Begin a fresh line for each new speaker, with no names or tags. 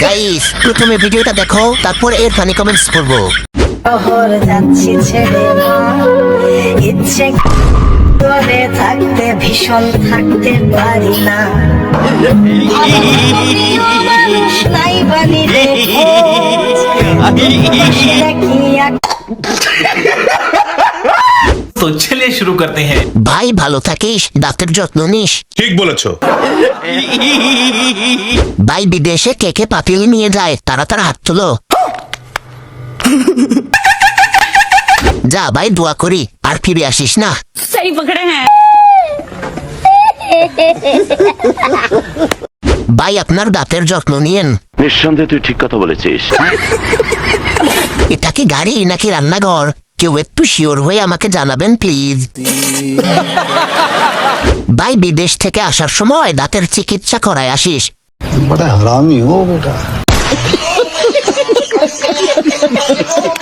Guys প্রথমে ভিডিওটা দেখো, তারপর এর ফানি কমেন্টস পড়বো।
শহর যাচ্ছি ছেড়ে মা, ইচ্ছে করে থাকতে ভীষণ থাকতে পারি না। মানুষ নাই বানিলে খোঁজ, কি এক
तो चलिए शुरू करते हैं।
ভাই ভালো থাকিস, দাঁতের যত্ন নিস।
ঠিক বলেছো।
ভাই বিদেশে কে কে পাপিল নিয়ে যায়, তারা হাত তুলো। যা ভাই, দোয়া করি আর ফিরে আসিস না।
सही पकड़े हैं।
ভাই আপনার দাঁতের যত্ন নিয়েন।
নিঃসন্দেহে তুই ঠিক কথা বলেছিস।
এটা কি গাড়ি নাকি রান্নাঘর? কেউ একটু শিওর হয়ে আমাকে জানাবেন প্লিজ। ভাই বিদেশ থেকে আসার সময় দাঁতের চিকিৎসা করায় আসিস।
बड़ा हरामी हो बेटा।